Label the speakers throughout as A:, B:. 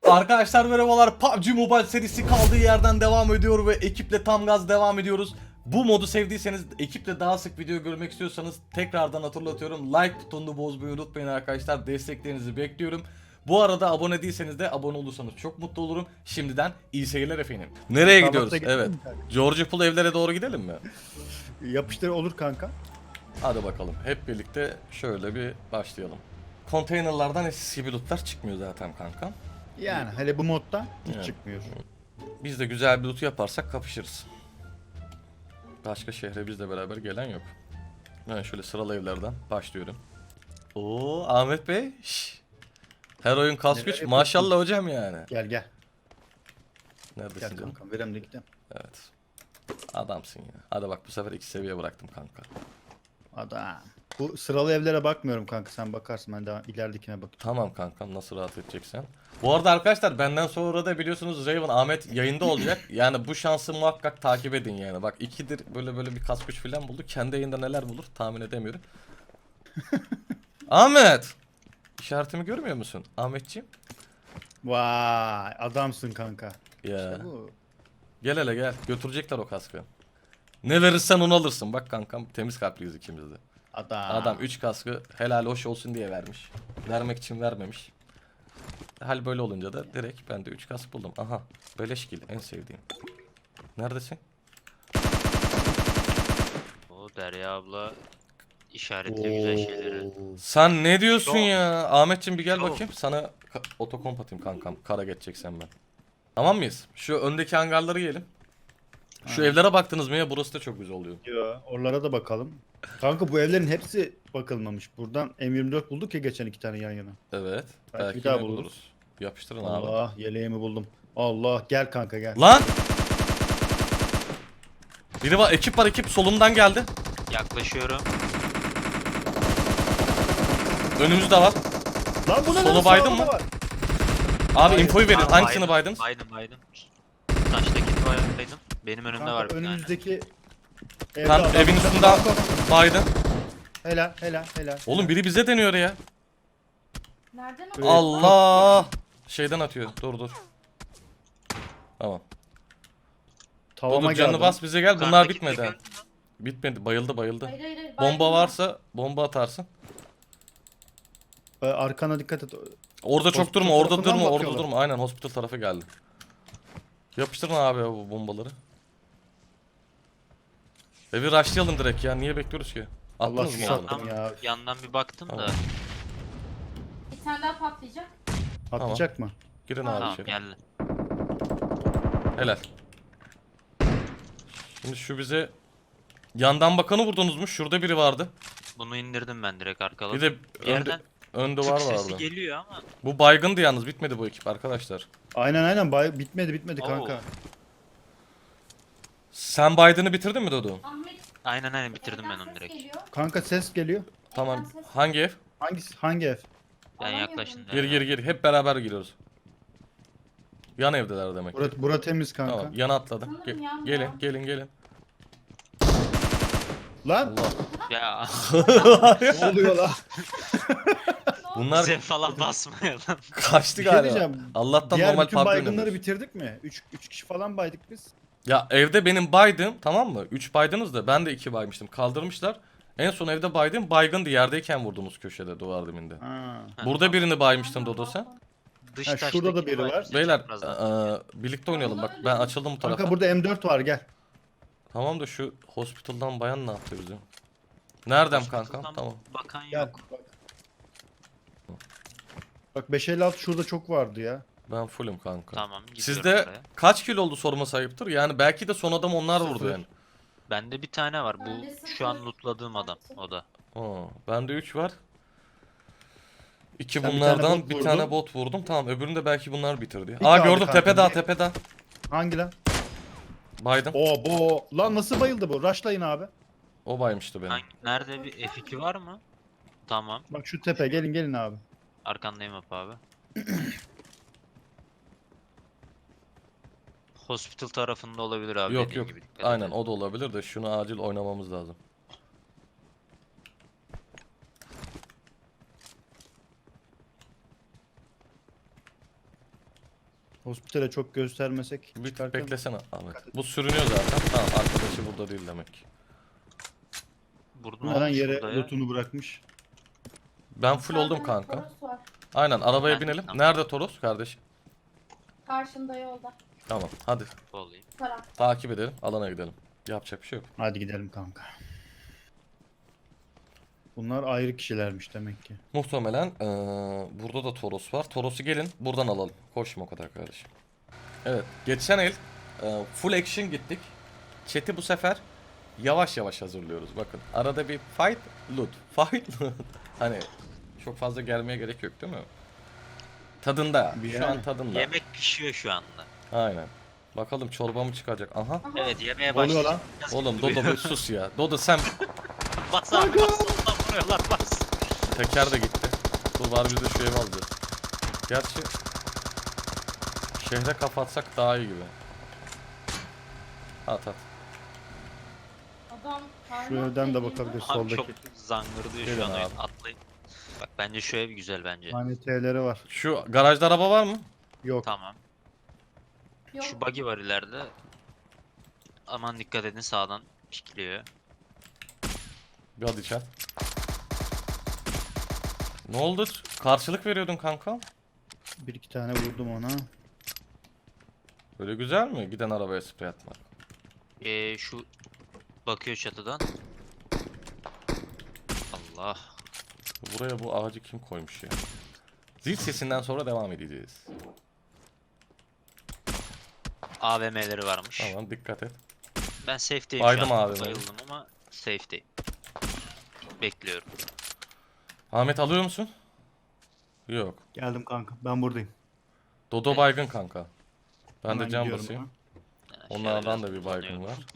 A: Arkadaşlar merhabalar. PUBG Mobile serisi kaldığı yerden devam ediyor ve ekiple tam gaz devam ediyoruz. Bu modu sevdiyseniz, ekiple daha sık video görmek istiyorsanız tekrardan hatırlatıyorum. Like butonunu bozmayı unutmayın arkadaşlar. Desteklerinizi bekliyorum. Bu arada abone değilseniz de abone olursanız çok mutlu olurum. Şimdiden iyi seyirler efendim. Nereye gidiyoruz? Evet. George Pool evlere doğru gidelim mi?
B: Yapıştır olur kanka.
A: Hadi bakalım. Hep birlikte şöyle bir başlayalım. Konteynerlardan eskisi gibi lootlar çıkmıyor zaten kanka.
B: Yani hele bu modda hiç
A: Evet.
B: çıkmıyor.
A: Biz de güzel bir loot yaparsak kapışırız. Başka şehre bizle beraber gelen yok. Ben şöyle sıralı evlerden başlıyorum. Oo Ahmet Bey. Şş. Her oyun kas
B: Neler
A: güç.
B: yapıyorsun?
A: Maşallah hocam yani.
B: Gel gel.
A: Neredesin
B: Gel
A: canım?
B: kankam verem de gidelim.
A: Evet. Adamsın ya. Hadi bak bu sefer 2 seviye bıraktım kanka.
B: Adam. Bu sıralı evlere bakmıyorum kanka, sen bakarsın, ben daha ileridekine bakayım.
A: Tamam kankam, nasıl rahat edeceksen. Bu arada arkadaşlar benden sonra da biliyorsunuz Raven Ahmet yayında olacak. Yani bu şansı muhakkak takip edin yani. Bak ikidir böyle bir kas güç falan buldu. Kendi yayında neler bulur tahmin edemiyorum. Ahmet! İşaretimi görmüyor musun Ahmetciğim?
B: Vay adamsın kanka.
A: Ya.
B: İşte bu.
A: Gel hele gel. Götürecekler o kaskı. Ne verirsen onu alırsın. Bak kankam, temiz kalpliyiz ikimiz de. Adam 3 kaskı helal hoş olsun diye vermiş. Vermek için vermemiş. Hal böyle olunca da direkt ben de 3 kask buldum. Aha. Beleşkil en sevdiğim. Neredesin?
C: O Derya abla işaretli güzel şeyleri.
A: Sen ne diyorsun
C: Çok.
A: ya? Ahmetciğim bir gel
C: Çok.
A: bakayım. Sana otokomp atayım kankam. Kara geçeceksen ben. Tamam mıyız? Şu öndeki hangarları yiyelim. Şu
B: Ha.
A: evlere baktınız mı ya? Burası da çok güzel oluyor.
B: Yo, oralara da bakalım. Kanka bu evlerin hepsi bakılmamış. Buradan M24 bulduk ya geçen 2 tane yan yana.
A: Evet.
B: Belki
A: Belki
B: bir daha
A: yine
B: buluruz.
A: buluruz. Yapıştırın abi.
B: Allah yeleğimi buldum. Allah gel kanka gel.
A: Lan! Biri var, ekip var, ekip solumdan geldi.
C: Yaklaşıyorum.
A: Önümüzde var.
B: Lan bu ne
A: Solu
B: lan,
A: baydın
B: sağda
A: mı?
B: var.
A: Abi
B: Hayır.
A: infoyu verin.
C: Aa,
A: Hangisini baydınız?
C: Baydım. Taştaki baydım. Benim önümde
B: Kanka
C: var bir tane.
B: önümüzdeki evde
A: Kan
B: adam
A: evin
B: var.
A: üstünden baydın.
B: Helal.
A: Oğlum biri bize deniyor ya.
D: Nereden
B: Evet.
A: Allah! Şeyden atıyor. Dur. Tamam.
B: Tavama
A: Dur canını
B: geldi.
A: bas bize gel. Bunlar
C: Yukarıdaki
A: bitmedi.
C: de
A: ha.
C: gördün mü?
A: Bitmedi. Bayıldı.
D: Hayır.
A: Bomba varsa bomba atarsın.
B: Arkana dikkat et.
A: Orada çok
B: Hospital
A: durma. Orada
B: tarafından
A: durma. Orada
B: bakıyorlar.
A: durma. Aynen hospital tarafı geldi. Yapıştırın abi ya bu bombaları. Evi rushlayalım direkt ya. Niye bekliyoruz ki?
B: Allah
A: Attınız mı
B: sizi
A: oğlum?
B: sattım ya.
C: Yandan bir baktım da.
A: Tamam.
D: Bir tane daha patlayacak.
B: Atlayacak mı?
A: Girin
D: Tamam,
A: abi
C: Tamam
A: içeri.
C: geldi.
A: Helal. Şimdi şu bize yandan bakanı vurdunuz mu? Şurada biri vardı.
C: Bunu indirdim ben direkt arkaladım.
A: Bir de
C: Bir yerden
A: önde
C: tık
A: var
C: sesi
A: vardı.
C: geliyor ama.
A: Bu baygındı yalnız, bitmedi bu ekip arkadaşlar.
B: Aynen bitmedi
C: Oo.
B: kanka.
A: Sen baydını bitirdin mi Dodo?
D: Ahmet.
C: Aynen bitirdim ben
D: evden
C: onu
D: ses
C: direkt.
D: geliyor.
B: Kanka ses geliyor.
A: Tamam.
D: Evden ses-
A: Hangi ev?
B: Hangi ev?
C: Ben
D: Alamıyorum.
C: yaklaştım.
A: Gir. Hep beraber giriyoruz. Yan evdeler demek ki.
B: Bura temiz kanka.
A: Tamam, yana atladım.
D: Sanırım yan
A: Gelin,
D: ya.
A: gelin.
B: Lan
A: Allah.
C: Ya
B: ne oluyor lan?
A: Bunlar
C: bize falan basmayalım.
A: kaçtı
B: Bir şey
A: galiba.
B: diyeceğim.
A: Allah'tan
B: Diğer
A: normal
B: bütün
A: PUBG
B: baygınları
A: oynuyoruz.
B: bitirdik mi? 3 kişi falan baydık biz.
A: Ya evde benim baydım, tamam mı? 3 baydınız da ben de 2 baymıştım. Kaldırmışlar. En son evde baydım, baygındı, yerdeyken vurdunuz köşede, duvar dibinde.
B: Ha.
A: Burada birini baymıştın Dodo sen.
C: Dış
B: Ha, şurada
C: taştaki
B: da biri var.
C: baydım.
A: Beyler
C: Birazdan.
A: birlikte oynayalım, bak ben açıldım bu tarafa.
B: Kanka burada M4 var gel.
A: Tamam da şu hospital'dan bayan ne yaptı bize? Nereden kankam?
C: Hospital'dan
A: Tamam.
C: Bakan
B: Gel.
C: yok.
B: Bak 556 şurada çok vardı ya.
A: Ben fullüm kanka.
C: Tamam gidiyorum
A: Sizde
C: oraya.
A: kaç kilo oldu sorma sayıptır? Yani belki de son adam onlar vurdu
B: Sıfır.
A: yani.
C: Bende bir tane var.
D: Bende
C: Bu
D: sıfır.
C: şu an lootladığım adam. O da.
A: Aa, bende 3 var. 2
B: Sen bir
A: bunlardan
B: tane bot
A: bir
B: vurdun.
A: tane bot vurdum. Tamam, öbürünü de belki bunlar bitirdi.
B: Bir
A: Aa
B: kaldı
A: gördüm,
B: kanka,
A: tepede,
B: bir.
A: tepede.
B: Hangi lan?
A: Baydım.
B: Oo bu. Lan nasıl bayıldı bu? Rushlayın abi.
A: O baymıştı beni.
C: Nerede bir F2 var mı? Tamam.
B: Bak şu tepe, gelin abi.
C: Arkandayım Apo abi. Hospital tarafında olabilir abi.
A: Yok
C: dediğin
A: yok.
C: gibi, dikkat
A: Aynen
C: edin.
A: o da olabilir de şunu acil oynamamız lazım.
B: Hospitale çok göstermesek.
A: Bir
B: çıkarken-
A: beklesene Ahmet. Bu sürünüyor zaten. Tamam, arkadaşı burada değil demek ki.
C: Burada ne
B: Hemen
C: olmuş
B: yere
C: burada ya?
B: lootunu bırakmış.
A: Ben full oldum
D: Sağda
A: kanka.
D: Toros var.
A: Aynen, arabaya
C: Ben-
A: binelim.
C: tamam.
A: Nerede Toros kardeşim?
D: Karşında yolda.
A: Tamam, hadi
C: Olayım.
D: Taraf.
A: takip edelim, alana gidelim. Yapacak bir şey yok.
B: Hadi gidelim kanka. Bunlar ayrı kişilermiş demek ki.
A: Muhtemelen burada da Toros var. Toros'u gelin buradan alalım. Koşma o kadar kardeşim. Evet, geçen el full action gittik. Chat'i bu sefer yavaş yavaş hazırlıyoruz. Bakın arada bir fight, loot, fight, loot. Hani çok fazla gelmeye gerek yok değil mi? Tadında.
B: Bir
A: Şu an
B: yani.
A: tadında.
C: Yemek pişiyor şu anda.
A: Aynen. Bakalım çorba mı çıkacak? Aha.
D: Aha.
C: Evet yemeye
B: Oluyor
C: başladı.
B: lan.
A: Oğlum Dodo bir sus ya. Dodo sen
C: Bas abi bas. Soldan vuruyorlar bas.
A: teker de gitti. Dur var biz de şu evi alacağız. Gerçi şehre kapatsak daha iyi gibi. At at.
D: Adam
B: Şu evden de bakabiliriz.
C: Abi çok
B: Soldaki.
C: zangırdıyor
A: Gelin
C: şu an oyun.
A: abi.
C: Atlayın. Bak bence şu ev güzel bence.
B: Hani T'leri var.
A: Şu garajda araba var mı?
B: Yok.
C: Tamam.
D: Yok.
C: Şu buggy var ileride. Aman dikkat edin sağdan pikliyor.
A: Bir hadi çat. Ne oldu? Karşılık veriyordun kanka.
B: Bir iki tane vurdum ona.
A: Böyle güzel mi? Giden arabaya sprey atmak.
C: Şu bakıyor çatıdan. Allah.
A: Buraya bu ağacı kim koymuş ya? Zil sesinden sonra devam edeceğiz.
C: AVM'leri varmış.
A: Tamam, dikkat et.
C: Ben safe'deyim
A: Baydım
C: şu an.
A: AVM'yi.
C: Bayıldım ama safe'deyim. Bekliyorum.
A: Ahmet alıyor musun? Yok.
B: Geldim kanka. Ben buradayım.
A: Dodo baygın kanka. Ben
B: Hemen
A: de cam
B: gidiyorum
A: basayım.
C: Yani şöyle
A: Onlardan
C: biraz
A: da bir baygın
C: uzanıyorum.
A: var.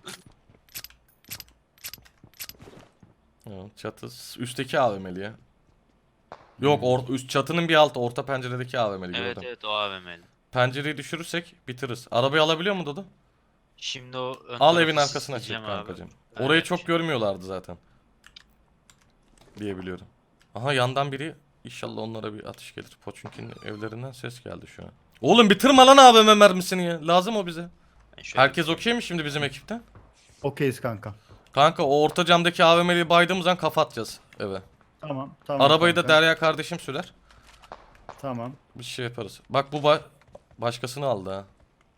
A: Evet, çatı üstteki AVM'li ya. Yok, üst çatının bir altı, orta penceredeki AVM'li
C: Evet
A: gördüm.
C: evet o AVM'li.
A: Pencereyi düşürürsek bitiririz. Arabayı alabiliyor mu Dodo?
C: Şimdi o ön
A: Al
C: tarafı
A: evin arkasına çek
C: sileceğim abi.
A: kankacığım.
C: Ben
A: Orayı
C: de-
A: çok görmüyorlardı zaten. Diyebiliyorum. Aha, yandan biri, inşallah onlara bir atış gelir. Poçunk'un evlerinden ses geldi şu an. Oğlum bitirme lan AVM mermisini ya. Lazım o bize.
C: Ben şöyle
A: Herkes okey mi şimdi bizim ekipten?
B: Okeyiz kanka.
A: Kanka o orta camdaki AVM'liyi baydığımız an kafa atacağız eve.
B: Tamam. Tamam.
A: Arabayı da
B: kanka.
A: Derya kardeşim sürer.
B: Tamam.
A: Bir şey yaparız. Bak bu başkasını aldı ha.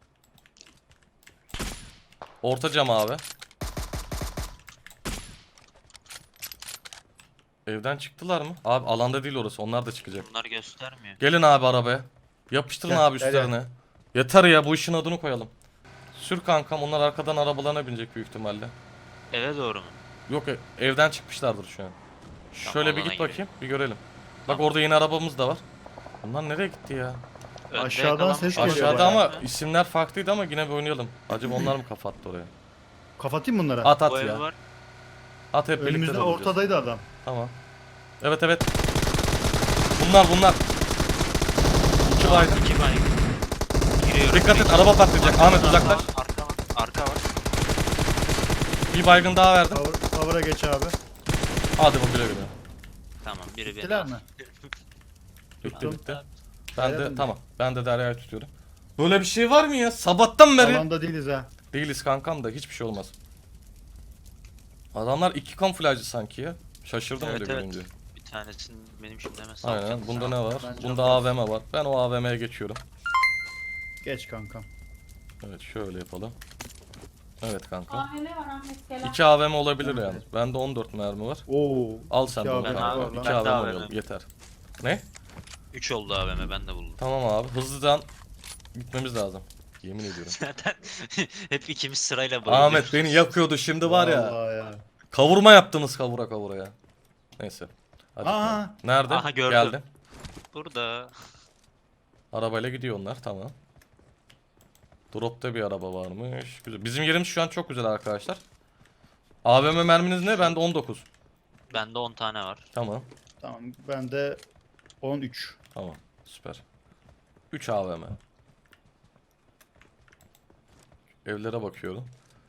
A: Orta cam abi. Evden çıktılar mı? Abi alanda değil orası. Onlar da çıkacak.
C: Bunlar göstermiyor.
A: Gelin abi arabaya. Yapıştırın
B: Gel,
A: abi
B: gel,
A: üstlerine. Yeter ya, bu işin adını koyalım. Sür kankam, onlar arkadan arabalarına binecek büyük ihtimalle.
C: Eve doğru mu?
A: Yok, evden çıkmışlardır şu an. Şöyle bir
C: alana
A: git bakayım,
C: girelim.
A: bir görelim. Bak
C: Tamam.
A: orada yine arabamız da var. Bunlar nereye gitti ya?
C: Önde
B: Aşağıdan
C: yakalanmış
B: ses
C: olabilir
B: geliyor
A: Aşağıda
B: bayağı.
A: ama isimler farklıydı, ama yine bir oynayalım. Acaba onlar mı kafa attı oraya?
B: Kapatayım bunları.
A: At
C: Bu
A: at
C: ev
A: ya.
C: var.
A: At hep birlikte
B: Önümüzde
A: de oynayacağız.
B: ortadaydı adam.
A: Tamam. Evet evet. Bunlar. İki baygın.
C: 2 baygın. Giriyorum.
A: Dikkat et, araba patlayacak. Ahmet uzaklaş.
C: Arka var. Arka var.
A: Bir baygın daha verdim.
B: Cover'a geç abi.
A: Hadi bu güle güle.
C: Tamam biri beni
B: Gittiler
C: al.
B: mi?
A: Bitti
B: Tuttum.
A: bitti. Ben
B: Helal
A: de
B: mi?
A: tamam. Ben de Derya'yı tutuyorum. Böyle bir şey var mı ya? Sabahtan beri.
B: Alanda değiliz ha.
A: Değiliz kankam da hiçbir şey olmaz. Adamlar iki kamuflajcı sanki ya. Şaşırdım
C: Evet,
A: öyle
C: evet.
A: görünce.
C: Bir tanesini benim şimdi hemen
A: Aynen.
C: salacağım.
A: Bunda ne var?
B: Ben
A: Bunda
B: çok
A: AVM var. Ben o AVM'ye geçiyorum.
B: Geç kankam.
A: Evet, şöyle yapalım. Evet kanka.
D: AVM var Ahmet Gelen.
A: 2 AVM olabilir yani. Bende 14 mermi var.
B: Oo.
A: Al sen de
B: İki
A: onu
B: AVM
A: kanka.
B: var lan.
A: 2
C: Ben de
A: AVM
C: AVM.
A: oynayalım yeter. Ne?
C: 3 oldu AVM ben de buldum.
A: Tamam abi, hızlıdan gitmemiz lazım. Yemin ediyorum.
C: Zaten hep ikimiz sırayla bayılıyoruz.
A: Ahmet beni yakıyordu şimdi var ya.
B: Vallahi ya.
A: Kavurma yaptınız kavura ya. Neyse. Hadi.
B: Aa.
A: Nerede?
C: Aha, gördüm.
A: Geldi.
C: Burada.
A: Arabayla gidiyor onlar, tamam. Drop'ta bir araba varmış. Güzel. Bizim yerimiz şu an çok güzel arkadaşlar. AVM merminiz ne? Bende 19.
C: Bende 10 tane var.
A: Tamam.
B: Tamam. Ben de 13.
A: Tamam. Süper. 3 AVM. Evlere bakıyorum.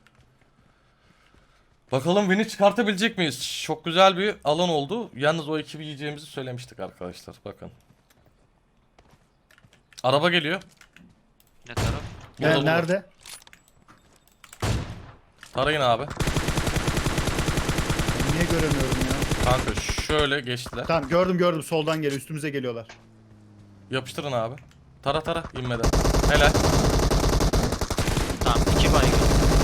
A: Bakalım win'i çıkartabilecek miyiz? Çok güzel bir alan oldu. Yalnız o ekibi yiyeceğimizi söylemiştik arkadaşlar. Bakın. Araba geliyor.
C: Ne taraf?
A: Burada, burada.
B: Nerede?
A: Tarayın abi.
B: Ben niye göremiyorum ya?
A: Kanka şöyle geçtiler.
B: Tamam gördüm soldan geliyor üstümüze geliyorlar.
A: Yapıştırın abi. Tara inmeden. Helal.
C: Tamam 2 baygın.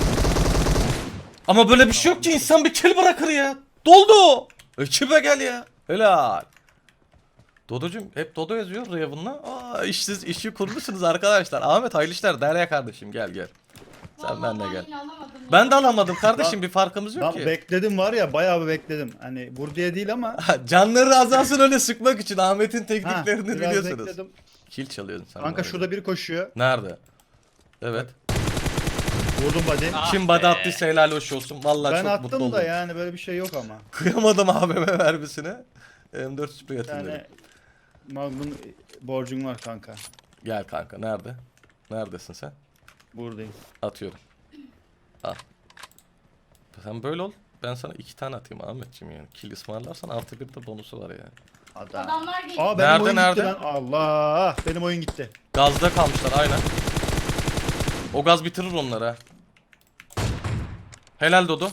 A: Ama böyle bir şey yok ki, insan bir kill bırakır ya. Doldu. Ekibe gel ya. Helal. Dodo'cum hep Dodo yazıyor Raven'la. Aa, işi kurmuşsunuz arkadaşlar. Ahmet hayırlı işler. Derya kardeşim gel. Sen
D: Vallahi
A: benimle gel.
D: yine alamadım ya.
A: Ben de alamadım kardeşim, bir farkımız yok
B: Ben
A: ki.
B: bekledim var ya bayağı bir bekledim. Hani vur diye değil ama.
A: Canları azalsın öyle sıkmak için Ahmet'in
B: Ha,
A: tekniklerini
B: biraz
A: biliyorsunuz.
B: bekledim.
A: Kill çalıyorsun sen.
B: Kanka
A: bana
B: şurada
A: göre.
B: biri koşuyor.
A: Nerede? Evet.
B: Vurdum body.
C: Ah
A: Kim
C: be.
A: body attıysa helal hoş olsun. Vallahi
B: Ben
A: çok mutlu
B: attım
A: oldum.
B: da yani böyle bir şey yok ama.
A: Kıyamadım abime mermisine. M4 sprey
B: Bir
A: atayım dedim.
B: tane Magnum borcum var kanka.
A: Gel kanka, nerede? Neredesin sen?
B: Buradayım.
A: Atıyorum. Al. Sen böyle ol. Ben sana 2 tane atayım Ahmetciğim yani. Kill ısmarlarsan artı bir de bonusu var yani.
D: Adamlar geliyor.
B: Aa benim
A: Nerede,
B: oyun
A: nerede?
B: gitti lan. Allah benim oyun gitti.
A: Gazda kalmışlar aynen. O gaz bitirir onları ha. Helal Dodo.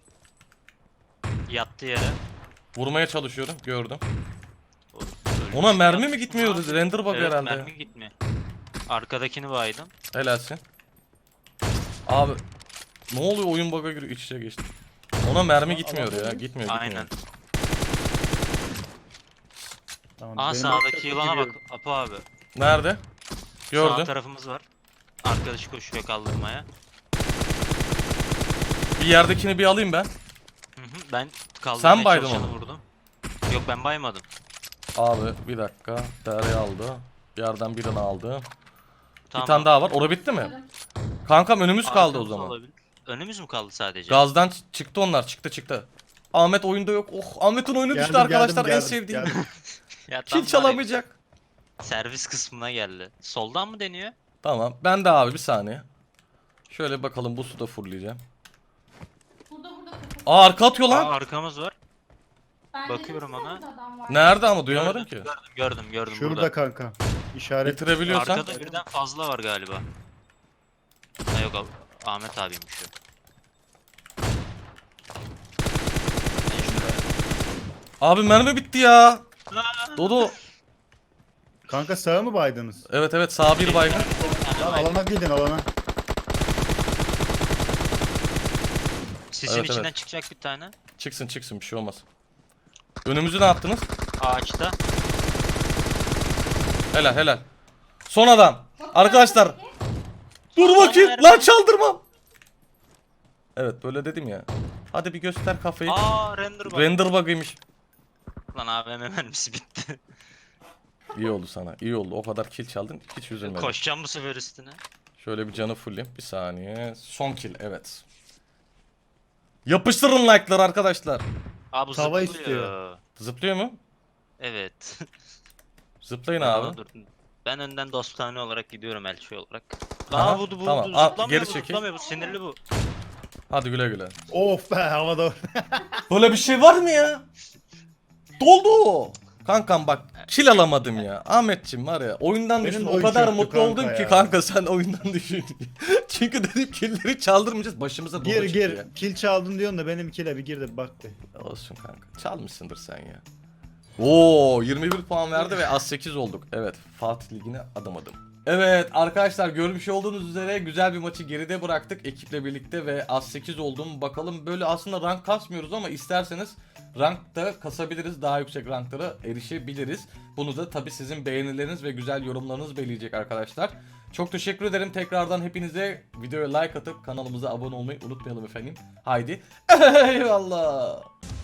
C: Yattı yere.
A: Vurmaya çalışıyorum. Gördüm.
C: Ölmüş.
A: Ona mermi mi
C: Yattı.
A: gitmiyor? Render bug
C: Evet,
A: herhalde.
C: mermi gitmiyor. Arkadakini baydım.
A: Helalsin. Abi ne oluyor, oyun bug'a giriyor, iç içe geçti. Ona mermi gitmiyor ya. Gitmiyor.
C: Aynen.
B: Tamam,
C: Aa
B: benim
C: sağdaki yılana bak
B: gidiyorum.
C: Apo abi.
A: Nerede?
C: Sağ
A: Gördüm.
C: tarafımız var. Arkadaşı koşuyor kaldırmaya.
A: Bir yerdekini bir alayım ben.
C: Hı hı, ben kaldırmaya
A: Sen baydın
C: çalışanı
A: onu.
C: vurdum. Yok ben baymadım.
A: Abi bir dakika. Derya aldı. Yerden birini aldı.
C: Tamam.
A: Bir tane daha var. Ora bitti mi? Kankam önümüz kaldı o
C: Arkamız
A: zaman.
C: olabilir. Önümüz mü kaldı sadece?
A: Gazdan çıktı onlar. Çıktı. Ahmet oyunda yok. Oh, Ahmet'in oyunu düştü
B: Geldim,
A: arkadaşlar. En
B: geldim,
A: sevdiğim.
B: geldim.
C: Ya tam
A: Kill
C: var ya,
A: çalamayacak.
C: servis kısmına geldi. Soldan mı deniyor?
A: Tamam. Ben de abi bir saniye. Şöyle bakalım, bu suda fulleyeceğim.
D: Burada.
A: Aa, arka atıyor
C: Aa,
A: lan.
C: arkamız var.
D: Ben
C: Bakıyorum
D: dedim size
C: ona.
D: burada adam var.
A: Nerede ama duyamadım ki.
C: Gördüm
B: Şurada
C: burada.
B: kanka. İşaret.
A: Bitirebiliyorsan.
C: Arkada birden fazla var galiba. Ha yok abi. Ahmet abiymiş o. Ben şuraya-
A: Abi mermi bitti ya. Dodo.
B: Kanka sağa mı baydınız?
A: Evet sağ bir baygın.
B: Lan alana gidin alana.
C: Sisin
A: Evet,
C: içinden
A: evet.
C: çıkacak bir tane.
A: Çıksın bir şey olmaz. Önümüzü ne yaptınız?
C: Ağaçta.
A: Helal. Son adam. Arkadaşlar. Dur
C: Son
A: bakayım.
C: mermi.
A: Lan çaldırmam. Evet böyle dedim ya. Hadi bir göster kafayı.
C: Aa render bak.
A: Render bug'ıymış.
C: Lan AVM mermisi bitti.
A: İyi oldu sana. İyi oldu. O kadar kill çaldın. Hiç üzülmedim.
C: Koşacağım bu sefer üstüne.
A: Şöyle bir canı fullleyeyim. Bir saniye. Son kill. Evet. Yapıştırın like'ları arkadaşlar.
C: Aa bu
B: Tava
C: zıplıyor.
B: istiyor.
A: Zıplıyor mu?
C: Evet.
A: Zıplayın
C: Aa,
A: abi.
C: dur. Ben önden dostane olarak gidiyorum elçi olarak.
A: Aha,
C: Aa bu
A: tamam. Al,
C: zıplamıyor
A: geri
C: bu
A: çekil.
C: zıplamıyor bu sinirli bu.
A: Hadi güle.
B: Of be havada.
A: Böyle bir şey var mı ya? Doldu. Kankam bak kill alamadım ya. Ahmetçim var ya oyundan
B: Benim
A: düştüm.
B: de
A: O
B: oyun
A: kadar
B: çöktü
A: mutlu
B: kanka
A: oldum ki
B: ya.
A: kanka sen oyundan düşün. Çünkü dedim killleri çaldırmayacağız. Başımıza Dodo çıktı
B: Gir
A: ya.
B: kill çaldın diyorsun da benim kill'e bir gir de bak de.
A: Olsun kanka. Çalmışsındır sen ya. Oo 21 puan verdi ve az 8 olduk. Evet Fatih Ligi'ne adım. Evet arkadaşlar görmüş olduğunuz üzere güzel bir maçı geride bıraktık ekiple birlikte ve az 8 oldum. Bakalım böyle aslında rank kasmıyoruz ama isterseniz rankta kasabiliriz. Daha yüksek ranklara erişebiliriz. Bunu da tabi sizin beğenileriniz ve güzel yorumlarınız belirleyecek arkadaşlar. Çok teşekkür ederim tekrardan hepinize. Videoya like atıp kanalımıza abone olmayı unutmayalım efendim. Haydi eyvallah.